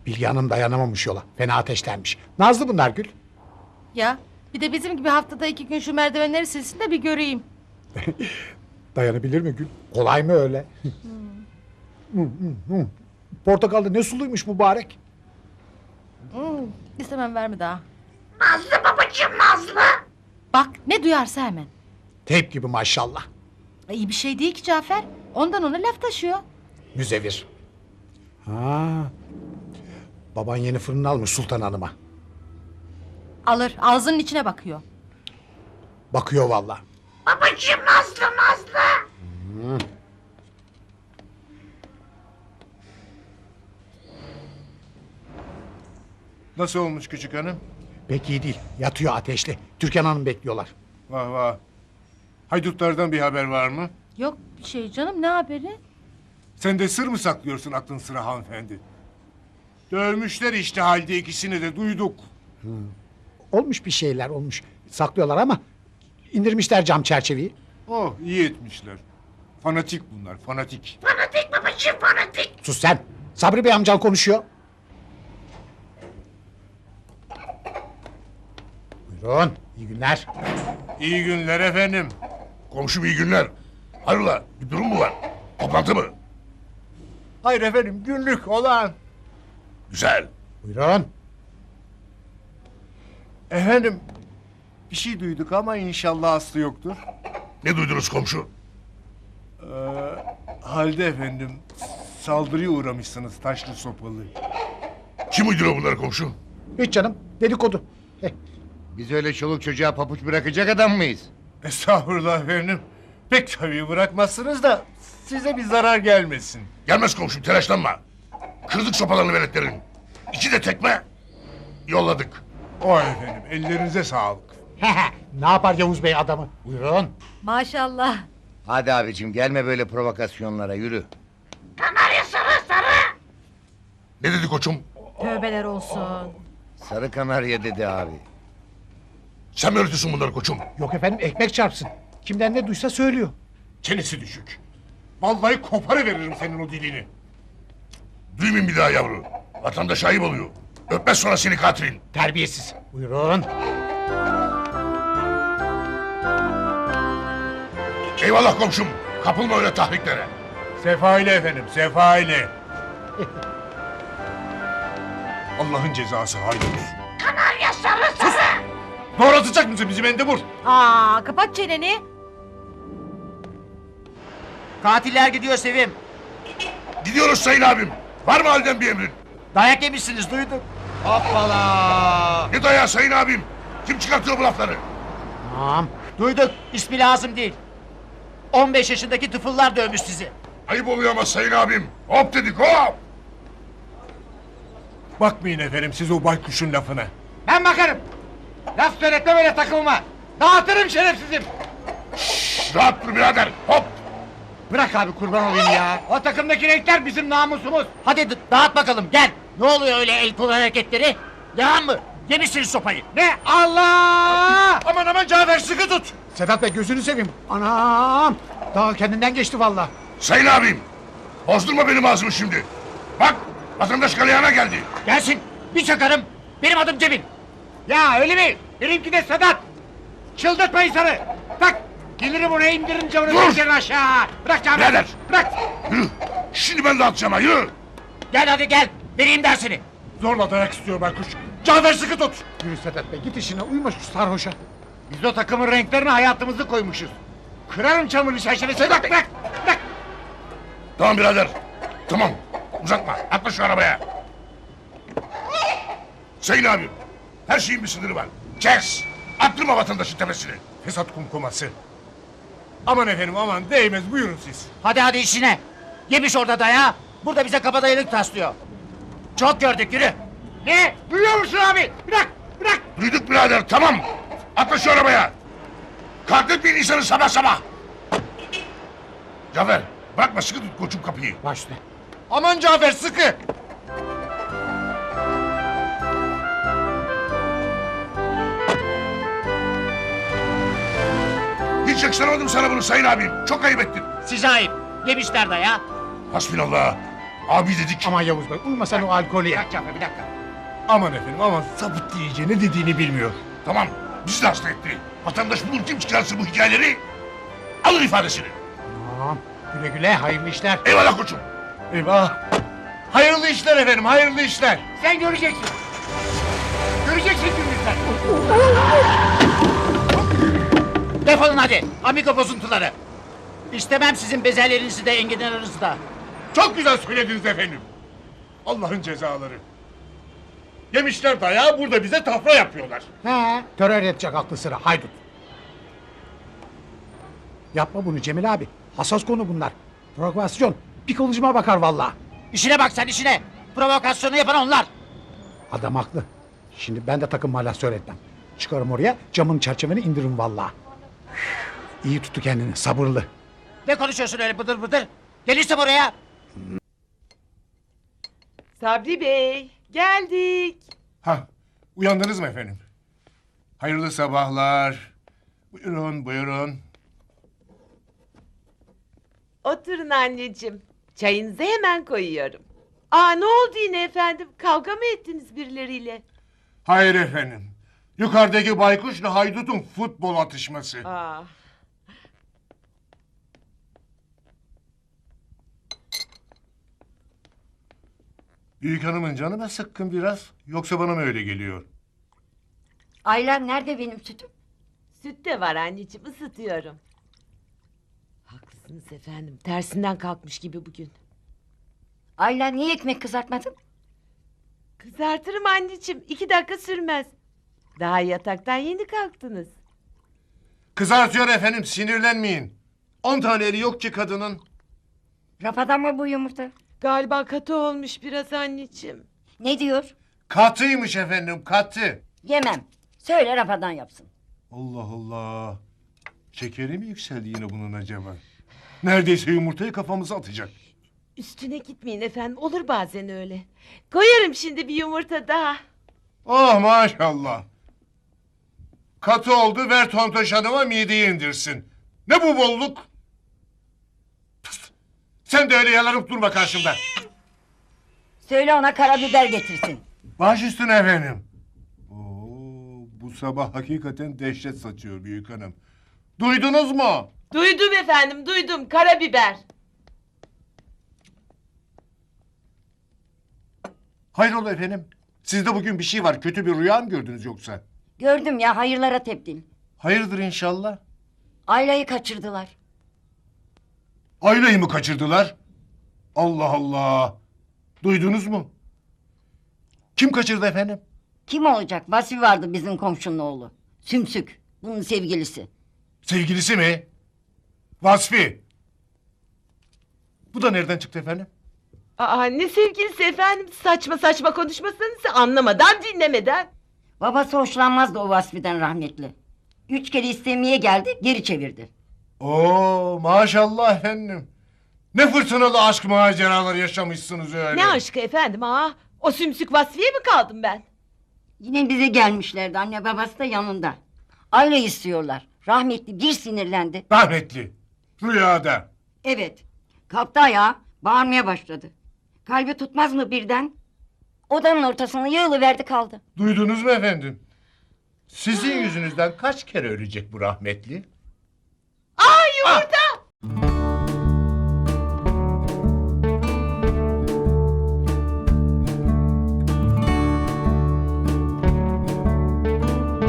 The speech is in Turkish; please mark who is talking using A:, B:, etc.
A: Bilge Hanım dayanamamış yola. Fena ateşlenmiş. Nazlı bunlar Gül.
B: Ya bir de bizim gibi haftada 2 gün şu merdivenleri silsin de bir göreyim.
A: Dayanabilir mi Gül? Kolay mı öyle? Portakalda ne suluymuş mübarek.
B: İstemem verme daha.
C: Nazlı babacığım Nazlı.
B: Bak ne duyarsa hemen.
A: Teyp gibi maşallah.
B: İyi bir şey değil ki Cafer. Ondan ona laf taşıyor.
A: Müzevir. Ha. Baban yeni fırını almış Sultan Hanım'a.
B: Alır ağzının içine bakıyor.
A: Bakıyor vallahi.
C: Babacığım Nazlı Nazlı.
D: Nasıl olmuş küçük hanım?
A: Pek iyi değil. Yatıyor ateşli. Türkan Hanım bekliyorlar.
D: Vah vah. Haydutlardan bir haber var mı?
B: Yok bir şey canım ne haberi?
D: Sen de sır mı saklıyorsun aklın sıra hanımefendi? Dövmüşler işte halde ikisini de duyduk.
A: Olmuş bir şeyler olmuş. Saklıyorlar ama indirmişler cam çerçeveyi.
D: Oh iyi etmişler. Fanatik bunlar fanatik.
C: Fanatik babacığım fanatik.
A: Sus sen. Sabri Bey amcan konuşuyor. Buyurun. İyi günler.
D: İyi günler efendim.
E: Komşum iyi günler. Hayrola bir durum mu var? Toplantı mı?
D: Hayır efendim günlük olan.
E: Güzel.
A: Buyurun.
D: Efendim bir şey duyduk ama inşallah aslı yoktur.
E: Ne duydunuz komşu?
D: Halde efendim saldırıya uğramışsınız taşlı sopalı.
E: Kim uyduruyor bunları komşu?
A: Hiç canım. Dedikodu.
F: Biz öyle çoluk çocuğa papuç bırakacak adam mıyız?
D: Estağfurullah efendim. Pek tabii bırakmazsınız da size bir zarar gelmesin.
E: Gelmez komşum telaşlanma. Kırdık sopalarını veletlerin. İki de tekme. Yolladık.
D: O efendim ellerinize sağlık.
A: Ne yapar Yavuz Bey adamı? Buyurun.
B: Maşallah.
F: Hadi abicim gelme böyle provokasyonlara yürü.
C: Kanarya sarı sarı.
E: Ne dedi koçum?
B: Tövbeler olsun.
F: Sarı kanarya dedi abi.
E: Sen mi öğretiyorsun bunları koçum?
A: Yok efendim ekmek çarpsın. Kimden ne duysa söylüyor.
D: Çenesi düşük. Vallahi koparıveririm senin o dilini.
E: Duymayın bir daha yavru. Vatandaş ayıp oluyor. Öpmez sonra seni katilin.
A: Terbiyesiz. Buyurun.
E: Eyvallah komşum. Kapılma öyle tahriklere.
D: Sefa ile efendim sefa ile. Allah'ın cezası haydut.
C: Kanarya sarı sarı.
D: Doğratacak mısın bizi mendebur?
B: Aa kapat çeneni.
G: Katiller gidiyor Sevim.
E: Gidiyoruz sayın abim. Var mı halden bir emrin?
G: Dayak yemişsiniz duyduk.
F: Hoppala!
E: Ne dayağı sayın abim? Kim çıkartıyor bu lafları?
A: Tamam.
G: Duyduk. İsmi lazım değil. 15 yaşındaki tıfıllar dövmüş sizi.
E: Ayıp oluyor ama sayın abim. Hop dedik hop.
D: Bakmayın efendim siz o baykuşun lafına.
G: Ben bakarım. Laf söyletme böyle takılma. Dağıtırım şerefsizim.
E: Rahat dur birader. Hop.
G: Bırak abi kurban olayım ya. O takımdaki renkler bizim namusumuz. Hadi dağıt bakalım gel. Ne oluyor öyle el kol hareketleri? Devam mı? Yemişsiniz sopayı. Ne? Allah!
D: Aman aman Cafer sıkı tut.
A: Sedat Bey gözünü seveyim. Anam. Daha kendinden geçti vallahi.
E: Sayın abim. Bozdurma benim ağzımı şimdi. Bak vatandaş galeyana geldi.
G: Gelsin. Bir çakarım. Benim adım Cemil. Ya öyle mi? Benimki de Sedat. Çıldırtma insanı. Bak. Gelirim oraya indirince onu
E: Dur!
G: pencereden aşağı. Bırak Cafer.
E: Birader!
G: Bırak.
E: Yürü. Şimdi ben dağıtacağım ha yürü.
G: Gel hadi gel. Vereyim dersini.
D: Zorla dayak istiyor baykuş. Cafer sıkı tut.
A: Yürü Sedat Bey git işine uyma şu sarhoşa.
G: Biz o takımın renklerine hayatımızı koymuşuz. Kırarım çamurlu çerçevesi. Bırak bırak. Bırak.
E: Tamam birader. Tamam. Uzatma. Atla şu arabaya. Sayın abim. Her şeyin bir sınırı var. Kes. Attırma vatandaşın tepesini.
D: Fesat kumkuması. Aman efendim aman değmez buyurun siz.
G: Hadi işine. Yemiş orada dayağı. Burada bize kabadayılık taslıyor. Çok gördük yürü. Ne? Duyuyor musun abi? Bırak. Bırak.
E: Duyduk birader tamam. Atla şu arabaya. Katletmeyin insanı sabah sabah. Cafer bırakma sıkı tut koçum kapıyı.
A: Baş üstüne.
D: Aman Cafer sıkı.
E: Hiç yakıştıramadım sana bunu sayın abim. Çok ayıp ettin.
G: Size ayıp. Yemişler dayağı.
E: Hasbinallah. Abi dedik.
A: Aman Yavuz Bey uyma sen o alkolü
G: Bir
A: ya.
G: dakika, bir dakika.
D: Aman efendim aman sapık iyice ne dediğini bilmiyor.
E: Tamam, bizi de hasta etti. Vatandaş bulur kim çıkarsın bu hikayeleri? Alın ifadesini.
A: Tamam. Güle güle hayırlı işler.
E: Eyvallah koçum.
D: Eyvah. Hayırlı işler efendim hayırlı işler.
G: Sen göreceksin. Göreceksin gününüzden. Defolun hadi. Amigo bozuntuları. İstemem sizin bezellerinizi de enginarınızı da.
D: Çok güzel söylediniz efendim. Allah'ın cezaları. Yemişler dayağı burada bize tafra yapıyorlar.
A: He. Terör edecek aklı sıra haydut. Yapma bunu Cemil abi. Hassas konu bunlar. Provokasyon. Bir kılıcıma bakar vallahi.
G: İşine bak sen işine. Provokasyonu yapan onlar.
A: Adam haklı. Şimdi ben de takım mahlasör etmem. Çıkarım oraya camın çerçeveni indiririm vallahi. İyi tuttu kendini sabırlı.
G: Ne konuşuyorsun öyle bıdır bıdır? Gelirse buraya.
H: Sabri Bey, geldik.
D: Ha, uyandınız mı efendim? Hayırlı sabahlar. Buyurun buyurun.
H: Oturun anneciğim. Çayınızı hemen koyuyorum. Aa, ne oldu yine efendim? Kavga mı ettiniz birileriyle?
D: Hayır efendim. Yukarıdaki baykuşla haydutun futbol atışması.
H: Aa,
D: Büyük hanımın canı mı sıkkın biraz? Yoksa bana mı öyle geliyor?
I: Aylan nerede benim sütüm?
H: süt de var anneciğim, ısıtıyorum. Haklısınız efendim. Tersinden kalkmış gibi bugün.
I: Aylan niye ekmek kızartmadın?
H: Kızartırım anneciğim. 2 dakika sürmez. Daha yataktan yeni kalktınız.
D: Kızartıyor efendim sinirlenmeyin. 10 tane eli yok ki kadının.
I: Rafadan mı bu yumurta?
H: Galiba katı olmuş biraz anneciğim.
I: Ne diyor?
D: Katıymış efendim katı.
I: Yemem. Söyle Rafadan yapsın.
D: Allah Allah. Şekeri mi yükseldi yine bunun acaba? Neredeyse yumurtayı kafamıza atacak.
H: Üstüne gitmeyin efendim. Olur bazen öyle. Koyarım şimdi bir yumurta daha.
D: Oh maşallah. Katı oldu ver Tontoş Hanım'a mideyi indirsin. Ne bu bolluk? Pıst! Sen de öyle yalanıp durma karşımda.
I: Söyle ona karabiber getirsin.
D: Baş üstüne efendim. Oo, bu sabah hakikaten dehşet saçıyor büyük hanım. Duydunuz mu?
H: Duydum efendim, duydum. Karabiber.
D: Hayrola efendim? Sizde bugün bir şey var. Kötü bir rüya mı gördünüz yoksa?
I: Gördüm ya hayırlara tebdil.
D: Hayırdır inşallah.
I: Ayla'yı kaçırdılar.
D: Ayla'yı mı kaçırdılar? Allah Allah. Duydunuz mu? Kim kaçırdı efendim?
I: Kim olacak? Vasfi vardı bizim komşunun oğlu. Sümsük. Bunun sevgilisi.
D: Sevgilisi mi? Vasfi. Bu da nereden çıktı efendim?
H: Aa, ne sevgilisi efendim? Saçma saçma konuşmasanız anlamadan dinlemeden.
I: Babası hoşlanmazdı o Vasfi'den rahmetli. 3 kere istemeye geldi geri çevirdi.
D: Oo maşallah efendim. Ne fırtınalı aşk maceraları yaşamışsınız öyle.
H: Ne aşkı efendim ha? O sümsük Vasfiye mi kaldım ben?
I: Yine bize gelmişlerdi anne babası da yanında. Ayla istiyorlar. Rahmetli bir sinirlendi.
D: Rahmetli. Rüyada.
I: Evet. Kalktı ayağa bağırmaya başladı. Kalbi tutmaz mı birden? Odanın ortasına yığılıverdi kaldı.
D: Duydunuz mu efendim? Sizin yüzünüzden kaç kere ölecek bu rahmetli?
H: Aa, yumurta